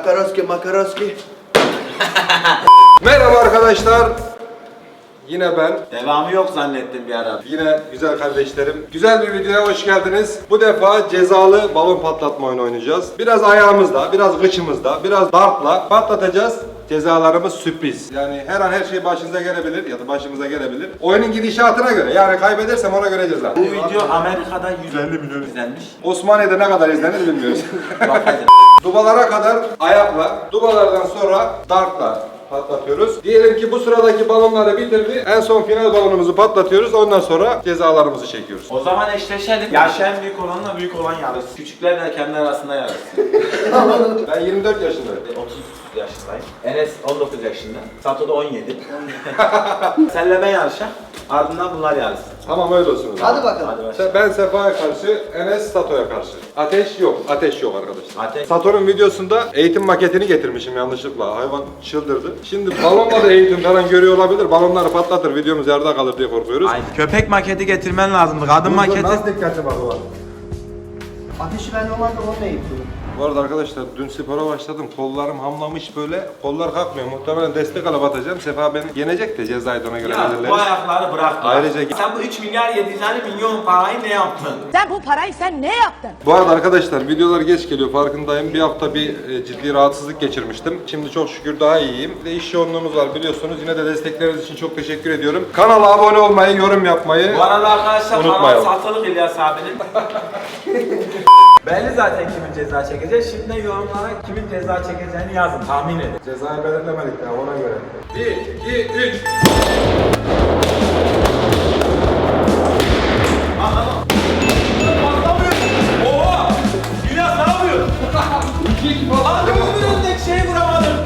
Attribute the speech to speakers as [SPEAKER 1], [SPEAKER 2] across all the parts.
[SPEAKER 1] Kakaroski makaroski.
[SPEAKER 2] Merhaba arkadaşlar. Yine ben.
[SPEAKER 3] Devamı yok zannettim bir ara.
[SPEAKER 2] Yine güzel kardeşlerim. Güzel bir videoya hoş geldiniz. Bu defa cezalı balon patlatma oyunu oynayacağız. Biraz ayağımızla, biraz gıçımızla, biraz dartla patlatacağız. Cezalarımız sürpriz. Yani her an her şey başınıza gelebilir ya da başımıza gelebilir. Oyunun gidişatına göre. Yani kaybedersem ona göre ceza.
[SPEAKER 3] Bu video Amerika'da 150 milyon izlenmiş.
[SPEAKER 2] Osmaniye'de ne kadar izlenir bilmiyoruz.
[SPEAKER 3] Bakacağız.
[SPEAKER 2] Dubalara kadar ayakla, dubalardan sonra dartla patlatıyoruz. Diyelim ki bu sıradaki balonları bitirdi. En son final balonumuzu patlatıyoruz. Ondan sonra cezalarımızı çekiyoruz.
[SPEAKER 3] O zaman eşleşelim. Yaşı en büyük olanla büyük olan yarışsın. Küçükler de kendi arasında yarışsın.
[SPEAKER 2] Ben 24 yaşındayım.
[SPEAKER 3] 30 yaşındayım. Enes 19 yaşında. Sato da 17. Senle ben yarışa. Ardından bunlar yarışsın.
[SPEAKER 2] Tamam öyle olsun. o zaman.
[SPEAKER 1] Hadi bakalım.
[SPEAKER 3] Hadi başla.
[SPEAKER 2] Ben Sefa'ya karşı, Enes Sato'ya karşı. Ateş yok. Ateş yok arkadaşlar.
[SPEAKER 3] Ateş.
[SPEAKER 2] Sato'nun videosunda eğitim maketini getirmişim yanlışlıkla. Hayvan çıldırdı. Şimdi balonla da eğitim falan görüyor olabilir. Balonları patlatır. Videomuz yarıda kalır diye korkuyoruz.
[SPEAKER 3] Aynen. Köpek maketi getirmen lazımdı. Kadın maketi.
[SPEAKER 2] Nasıl dikkatli bak o.
[SPEAKER 1] Ateşi ben normalde onunla eğitiyorum.
[SPEAKER 2] Bu arada arkadaşlar dün spora başladım. Kollarım hamlamış böyle. Kollar kalkmıyor. Muhtemelen destek alıp atacağım. Sefa beni yenecek de cezayı da ona göre
[SPEAKER 3] Ya
[SPEAKER 2] belirleriz.
[SPEAKER 3] bu ayakları bırak.
[SPEAKER 2] Ayrıca-
[SPEAKER 3] sen bu 3 milyar 700 milyon parayı ne yaptın?
[SPEAKER 4] Sen bu parayı sen ne yaptın?
[SPEAKER 2] Bu arada arkadaşlar videolar geç geliyor farkındayım. Bir hafta bir ciddi rahatsızlık geçirmiştim. Şimdi çok şükür daha iyiyim. Bir de iş yoğunluğumuz var biliyorsunuz. Yine de destekleriniz için çok teşekkür ediyorum. Kanala abone olmayı, yorum yapmayı
[SPEAKER 3] Bu arada arkadaşlar
[SPEAKER 2] unutmayalım.
[SPEAKER 3] kanal satılık İlyas abinin. Belli zaten kimin ceza çekeceği. Şimdi yorumlara kimin ceza çekeceğini yazın. Tahmin edin.
[SPEAKER 2] Cezayı belirlemedik ya ona göre. 1, 2, 3.
[SPEAKER 3] Oha! İlyas ne yapıyor?
[SPEAKER 2] 2 falan.
[SPEAKER 3] Abi öbür öndeki şeyi vuramadım.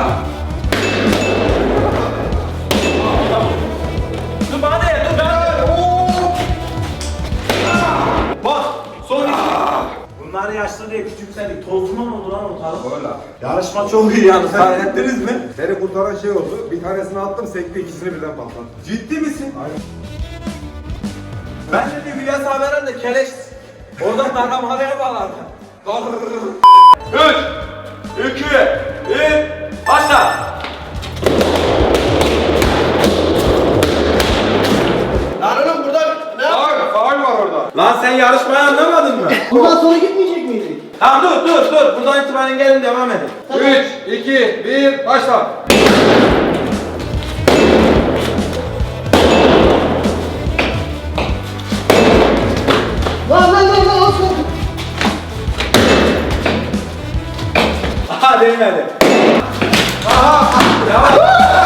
[SPEAKER 3] Dur bana de dur ben. Bak son iki. Bunlar yaşlı diye küçümsedik. Tozuma mı oldu lan ortalık?
[SPEAKER 2] Öyle.
[SPEAKER 3] Yarışma çok iyi yalnız. Fark ettiniz mi?
[SPEAKER 2] Beni kurtaran şey oldu. Bir tanesini attım sekti ikisini birden patlattı.
[SPEAKER 3] Ciddi misin?
[SPEAKER 2] Aynen.
[SPEAKER 3] Ben de bir Hülya Saber'den de keleş. Oradan darlamalaya bağlardı. 3, 2, 1, başla.
[SPEAKER 1] Lan oğlum burada ne yap?
[SPEAKER 2] Faul var orada.
[SPEAKER 3] Lan sen yarışmayı anlamadın mı?
[SPEAKER 1] Buradan sonra gitmeyecek miydik?
[SPEAKER 3] Tamam dur. Buradan itibaren gelin devam edin.
[SPEAKER 2] 3, 2, 1, başla.
[SPEAKER 1] Lan olsun.
[SPEAKER 3] Aha değmedi. Devam.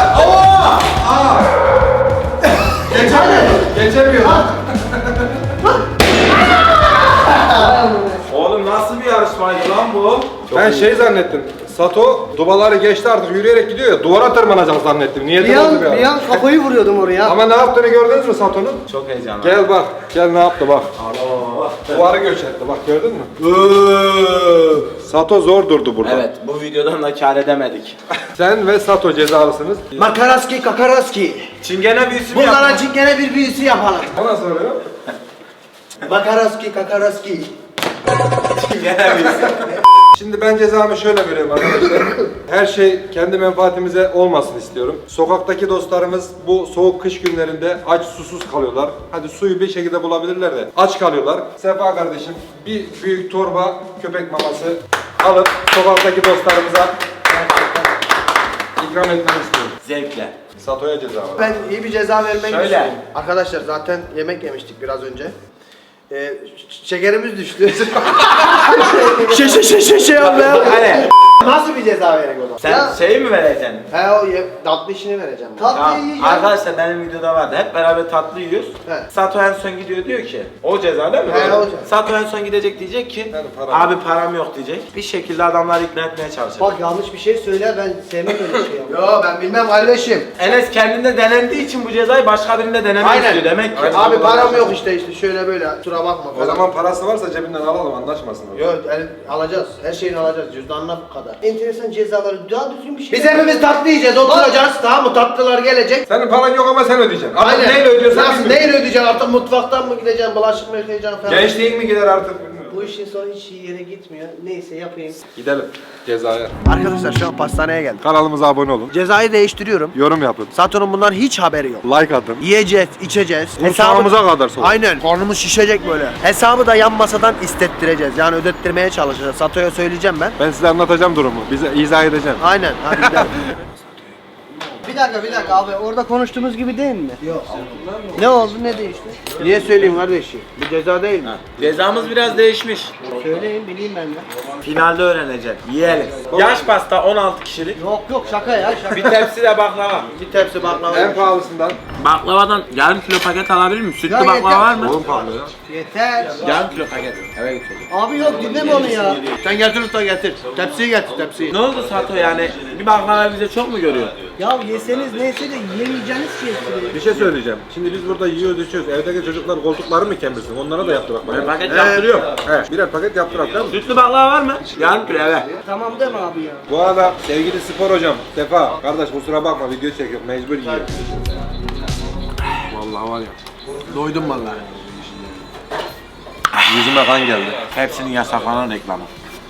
[SPEAKER 2] Geçemiyor.
[SPEAKER 3] Oğlum nasıl bir yarışmaydı lan bu?
[SPEAKER 2] Ben şey zannettim. Sato dubaları geçti artık yürüyerek gidiyor ya duvara tırmanacak zannettim. Niyetim oldu bir an.
[SPEAKER 1] kafayı vuruyordum oraya.
[SPEAKER 2] Ama ne yaptığını gördünüz mü Sato'nun?
[SPEAKER 3] Çok heyecanlı.
[SPEAKER 2] Gel bak. Gel ne yaptı bak.
[SPEAKER 3] Allah.
[SPEAKER 2] Duvarı göç etti bak gördün mü? Sato zor durdu burada.
[SPEAKER 3] Evet bu videodan da kar edemedik.
[SPEAKER 2] Sen ve Sato cezalısınız.
[SPEAKER 1] Makaraski kakaraski.
[SPEAKER 3] Çingene büyüsü mü
[SPEAKER 1] Bunlara
[SPEAKER 3] yaptın?
[SPEAKER 1] çingene bir büyüsü yapalım.
[SPEAKER 2] O nasıl oluyor?
[SPEAKER 1] Makaraski kakaraski.
[SPEAKER 3] Çingene büyüsü.
[SPEAKER 2] Şimdi ben cezamı şöyle veriyorum arkadaşlar. Her şey kendi menfaatimize olmasın istiyorum. Sokaktaki dostlarımız bu soğuk kış günlerinde aç susuz kalıyorlar. Hadi suyu bir şekilde bulabilirler de aç kalıyorlar. Sefa kardeşim bir büyük torba köpek maması alıp sokaktaki dostlarımıza ikram etmeni istiyorum.
[SPEAKER 3] Zevkle.
[SPEAKER 2] Sato'ya ceza var.
[SPEAKER 1] Ben iyi bir ceza vermek
[SPEAKER 3] Şöyle.
[SPEAKER 1] istiyorum. Arkadaşlar zaten yemek yemiştik biraz önce. Şekerimiz düştü. şey oldu ya.
[SPEAKER 3] Hani
[SPEAKER 1] Nasıl bir ceza verek o zaman?
[SPEAKER 3] sen
[SPEAKER 1] Ya,
[SPEAKER 3] şeyi mi vereceksin?
[SPEAKER 1] he o tatlı işini vereceğim. Tatlı
[SPEAKER 3] Tamam.
[SPEAKER 1] yiyeceğim.
[SPEAKER 3] Arkadaşlar benim videoda vardı. Hep beraber tatlı yiyoruz.
[SPEAKER 1] He.
[SPEAKER 3] Sato en son gidiyor diyor ki o ceza değil mi?
[SPEAKER 1] He, o ceza.
[SPEAKER 3] Sato en son gidecek diyecek ki
[SPEAKER 2] Yani param
[SPEAKER 3] abi param yok diyecek. Bir şekilde adamları ikna etmeye çalışacak.
[SPEAKER 1] Bak yanlış bir şey söyler ben sevmem öyle şey. Yo ben bilmem kardeşim.
[SPEAKER 3] Enes kendinde denendiği için bu cezayı başka birinde denemek
[SPEAKER 1] Aynen.
[SPEAKER 3] istiyor demek ki.
[SPEAKER 2] Aynen.
[SPEAKER 1] Abi param yok işte şöyle böyle kusura bakma
[SPEAKER 2] O
[SPEAKER 1] falan.
[SPEAKER 2] zaman parası varsa cebinden alalım anlaşmasın.
[SPEAKER 1] Yok alacağız. Her şeyini alacağız. Cüzdanına bu kadar. Enteresan cezaları daha düzgün bir şey. Biz hepimiz tatlı yiyeceğiz. Oturacağız. Tamam mı? Tatlılar gelecek.
[SPEAKER 2] Senin paran yok ama sen ödeyeceksin. Artık
[SPEAKER 1] Aynen.
[SPEAKER 2] neyle ödüyorsan
[SPEAKER 1] Nasıl
[SPEAKER 2] bilmiyorum.
[SPEAKER 1] neyle ödeyeceksin? Artık mutfaktan mı gideceksin? Bulaşık mı yıkayacaksın falan.
[SPEAKER 2] Gençliğin mi gider artık bilmiyorum.
[SPEAKER 1] Bu işin sonu hiç iyi yere gitmiyor. Neyse yapayım.
[SPEAKER 2] Gidelim cezaya.
[SPEAKER 1] Arkadaşlar şu an pastaneye geldim.
[SPEAKER 2] Kanalımıza abone olun.
[SPEAKER 1] Cezayı değiştiriyorum.
[SPEAKER 2] Yorum yapın.
[SPEAKER 1] Sato'nun bundan hiç haberi yok.
[SPEAKER 2] Like atın.
[SPEAKER 1] Yiyeceğiz, içeceğiz.
[SPEAKER 2] Kursağımıza kadar soğuk.
[SPEAKER 1] Aynen. Karnımız şişecek böyle. Hesabı da yan masadan istettireceğiz. Yani ödettirmeye çalışacağız. Sato'ya söyleyeceğim ben.
[SPEAKER 2] Ben size anlatacağım durumu. Bize izah edeceğim.
[SPEAKER 1] Aynen. Hadi gidelim. Bir dakika abi. Orada konuştuğumuz gibi değil mi? Yok. Ne oldu, ne değişti? Niye söyleyeyim kardeşim? Bu ceza değil mi?
[SPEAKER 3] Cezamız biraz değişmiş.
[SPEAKER 1] Söyleyin, bileyim ben de.
[SPEAKER 3] Finalde öğrenecek. Yiyelim. Yaş pasta 16 kişilik.
[SPEAKER 1] Yok şaka ya şaka.
[SPEAKER 3] Bir tepsi de baklava.
[SPEAKER 1] Bir tepsi baklava.
[SPEAKER 2] En pahalısından.
[SPEAKER 3] Baklavadan yarım kilo paket alabilir miyim? Sütlü
[SPEAKER 1] Ya
[SPEAKER 3] baklava
[SPEAKER 1] yeter.
[SPEAKER 3] var mı?
[SPEAKER 2] Oğlum pahalı ya.
[SPEAKER 1] Yeter.
[SPEAKER 3] Yarım kilo paket. Eve götüreceğim.
[SPEAKER 1] Abi yok dinleme onu ya. Sen getir usta getir. Tepsiyi getir tepsiyi.
[SPEAKER 3] Ne oldu Sato yani? Bir baklava bize çok mu görüyor?
[SPEAKER 1] Ya yeseniz neyse de yiyemeyeceğiniz şey istiyor.
[SPEAKER 2] Bir şey söyleyeceğim. Şimdi biz burada yiyoruz içiyoruz. Evdeki çocuklar koltukları mı kemirsin? Onlara da yaptırak bak.
[SPEAKER 3] Ben paket yaptırıyorum.
[SPEAKER 2] He, birer paket yaptırak değil mi?
[SPEAKER 3] Sütlü baklava var mı? Yarım kilo eve.
[SPEAKER 1] Tamam deme abi ya.
[SPEAKER 2] Bu arada sevgili spor hocam, Sefa, kardeş kusura bakma video çekiyor, mecbur yiyor. Vallahi var ya.
[SPEAKER 1] Doydum vallahi.
[SPEAKER 2] Yüzüme kan geldi.
[SPEAKER 3] Hepsinin yasaklanan reklamı.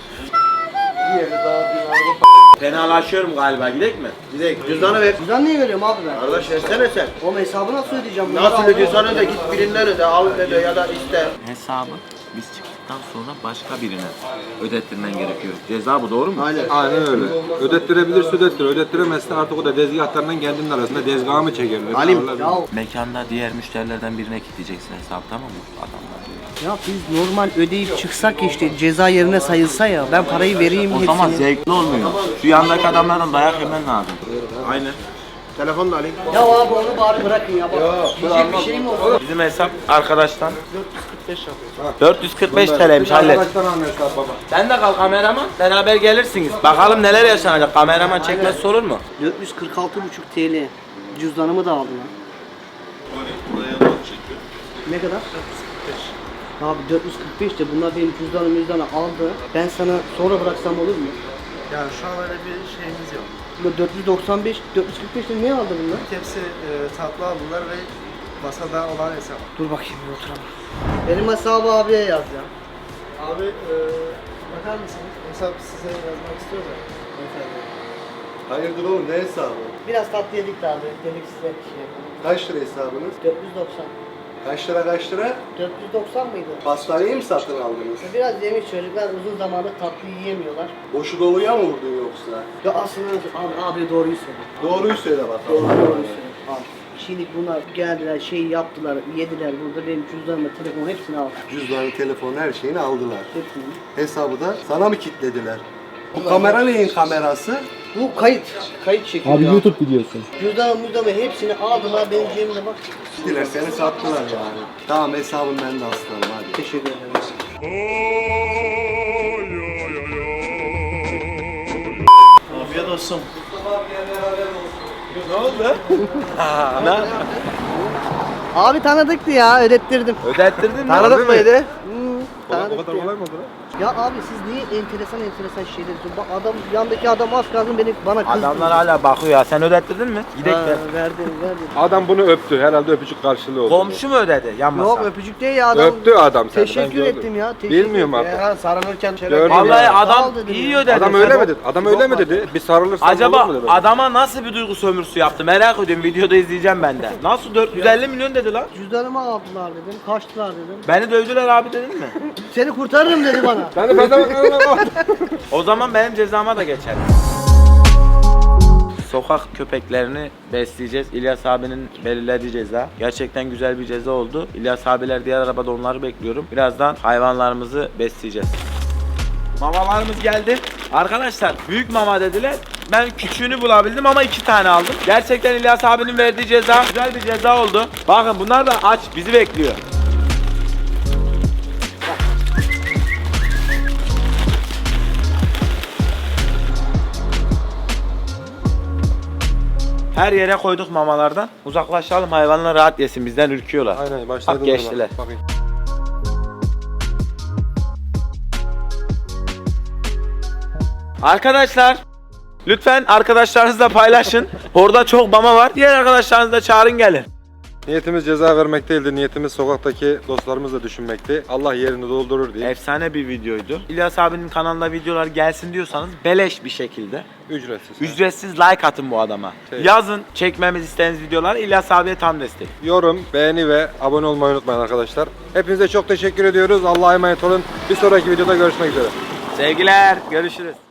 [SPEAKER 3] Fenalaşıyorum galiba, gidek mi?
[SPEAKER 1] Gidelim. Cüzdanı ver. Cüzdan niye veriyorum abi ben? Kardeş versene sen. Oğlum hesabı nasıl ödeyeceğim? Nasıl ödüyorsan öde, git birinden öde, al öde ya da iste.
[SPEAKER 3] Hesabı biz çıktıktan sonra başka birine ödettirmen gerekiyor. Ceza bu, doğru mu?
[SPEAKER 1] Aynen.
[SPEAKER 2] Aynen öyle. Ödettirebilirse ödettir, ödettiremezse artık o da tezgahlarından kendinin arasında tezgahı mı çekerler?
[SPEAKER 1] Halim.
[SPEAKER 2] Alırlar.
[SPEAKER 1] Ya,
[SPEAKER 3] Mekanda diğer müşterilerden birine kilitleyeceksin hesabı, tamam mı? Adamlar.
[SPEAKER 5] Ya biz normal ödeyip çıksak işte ceza yerine sayılsa ya ben parayı vereyim
[SPEAKER 3] O
[SPEAKER 5] hepsini.
[SPEAKER 3] zaman zevkli olmuyor. Şu yandaki adamlardan dayak yemen lazım. Aynen.
[SPEAKER 1] telefonu da alayım.
[SPEAKER 5] Ya abi onu bari bırakın ya bak. Yiyecek bir şey mi olur?
[SPEAKER 3] Bizim hesap arkadaştan 445 TL'ymiş, hallet.
[SPEAKER 2] Arkadaştan almışlar baba.
[SPEAKER 3] Sen de kal kameraman, beraber gelirsiniz. Bakalım neler yaşanacak, kameraman çekmezse olur mu?
[SPEAKER 5] 446,5 TL. Cüzdanımı da aldı lan. Ne kadar? 445. Abi 445 de bunlar benim cüzdanımı aldı. Ben sana sonra bıraksam olur mu?
[SPEAKER 6] Yani şu an öyle bir şeyimiz yok.
[SPEAKER 5] Bu 495, 445 de ne aldı bunlar?
[SPEAKER 6] Hepsi tatlı aldılar ve masada olan hesap.
[SPEAKER 5] Dur bakayım bir oturalım. Benim hesabı abiye yaz ya.
[SPEAKER 6] Abi bakar mısınız? Hesap size yazmak istiyor da. Efendim.
[SPEAKER 7] Hayırdır oğlum ne hesabı?
[SPEAKER 5] Biraz tatlı yedik de abi. Dedik size bir şey yapalım.
[SPEAKER 7] Kaç lira hesabınız?
[SPEAKER 5] 490.
[SPEAKER 7] Kaç lira kaç lira?
[SPEAKER 5] 490 mıydı?
[SPEAKER 7] Pastaneyi mi satın aldınız?
[SPEAKER 5] Biraz yemiş çocuklar uzun zamandır tatlı yiyemiyorlar.
[SPEAKER 7] Boşu doluya mı vurdun yoksa?
[SPEAKER 5] Ya aslında abi doğruyu söyle.
[SPEAKER 7] Doğruyu söyle bakalım.
[SPEAKER 5] Doğruyu söyle. Abi. Şimdi bunlar geldiler şey yaptılar yediler burada benim cüzdanımı telefonu hepsini aldı.
[SPEAKER 7] Cüzdanı, telefonu her şeyini aldılar.
[SPEAKER 5] Hepsini.
[SPEAKER 7] Hesabı da sana mı kilitlediler? Bu kamera neyin kamerası?
[SPEAKER 5] Bu kayıt. Kayıt çekiyor.
[SPEAKER 8] Abi YouTube videosu.
[SPEAKER 5] Cüzdanımı hepsini aldılar benim cebimde bak.
[SPEAKER 7] Gittiler seni sattılar yani. Tamam hesabım ben de aslanım hadi.
[SPEAKER 5] Teşekkür ederim.
[SPEAKER 6] Afiyet olsun.
[SPEAKER 5] Abi tanıdıktı ya ödettirdim.
[SPEAKER 3] Ödettirdin mi?
[SPEAKER 1] Tanıdık mıydı?
[SPEAKER 2] O kadar
[SPEAKER 5] Tanıdıktı ya.
[SPEAKER 2] kolay mı oldu lan?
[SPEAKER 5] Ya abi siz niye enteresan şeyler diyorsunuz? Bak adam yandaki adam az kalsın bana kızdı.
[SPEAKER 3] Adamlar hala bakıyor ya. Sen ödettirdin mi? Gidek
[SPEAKER 5] Ha,
[SPEAKER 3] de.
[SPEAKER 5] verdim.
[SPEAKER 2] Adam bunu öptü. Herhalde öpücük karşılığı oldu.
[SPEAKER 3] Komşu mu ödedi? Yan masa.
[SPEAKER 5] Yok öpücük değil ya adam.
[SPEAKER 2] Öptü adam seni. ben
[SPEAKER 5] Teşekkür
[SPEAKER 2] gördüm.
[SPEAKER 5] ettim ya. Teşekkür
[SPEAKER 2] Bilmiyorum
[SPEAKER 5] ettim.
[SPEAKER 2] artık.
[SPEAKER 1] Ya sarılırken şöyle
[SPEAKER 2] Gördüm
[SPEAKER 3] Vallahi
[SPEAKER 2] ya.
[SPEAKER 5] Sağ
[SPEAKER 3] adam
[SPEAKER 5] ol dedim
[SPEAKER 3] iyi
[SPEAKER 5] ya.
[SPEAKER 3] ödedi.
[SPEAKER 2] Adam öyle mi dedi? Adam öyle mi dedi? Bir sarılırsan
[SPEAKER 3] Acaba
[SPEAKER 2] olur mu dedi?
[SPEAKER 3] adama nasıl bir duygu sömürüsü yaptı? Merak ediyorum. Videoda izleyeceğim ben de. Nasıl 450 milyon dedi lan?
[SPEAKER 5] Cüzdanımı aldılar dedim. Kaçtılar dedim.
[SPEAKER 3] Beni dövdüler abi dedin mi?
[SPEAKER 5] Seni kurtarırım dedi bana.
[SPEAKER 2] Ben de fazla
[SPEAKER 3] O zaman benim cezama da geçer. Sokak köpeklerini besleyeceğiz. İlyas abinin belirlediği ceza. Gerçekten güzel bir ceza oldu. İlyas abiler diğer arabada, onları bekliyorum. Birazdan hayvanlarımızı besleyeceğiz. Mamalarımız geldi. Arkadaşlar büyük mama dediler. Ben küçüğünü bulabildim ama 2 tane aldım. Gerçekten İlyas abinin verdiği ceza güzel bir ceza oldu. Bakın bunlar da aç, bizi bekliyor. Her yere koyduk mamalardan. Uzaklaşalım, hayvanlar rahat yesin, bizden ürküyorlar.
[SPEAKER 2] Aynen başladım.
[SPEAKER 3] Bak geçtiler.
[SPEAKER 2] Bakayım.
[SPEAKER 3] Arkadaşlar lütfen arkadaşlarınızla paylaşın. Orada çok mama var. Diğer arkadaşlarınızı da çağırın gelin.
[SPEAKER 2] Niyetimiz ceza vermek değildi. Niyetimiz sokaktaki dostlarımızla düşünmekti. Allah yerini doldurur diye.
[SPEAKER 3] Efsane bir videoydu. İlyas abinin kanalında videolar gelsin diyorsanız beleş bir şekilde
[SPEAKER 2] Ücretsiz.
[SPEAKER 3] ücretsiz like atın bu adama. Yazın çekmemiz istediğiniz videolar, İlyas abiye tam destek.
[SPEAKER 2] Yorum, beğeni ve abone olmayı unutmayın arkadaşlar. Hepinize çok teşekkür ediyoruz. Allah'a emanet olun. Bir sonraki videoda görüşmek üzere.
[SPEAKER 3] Sevgiler, görüşürüz.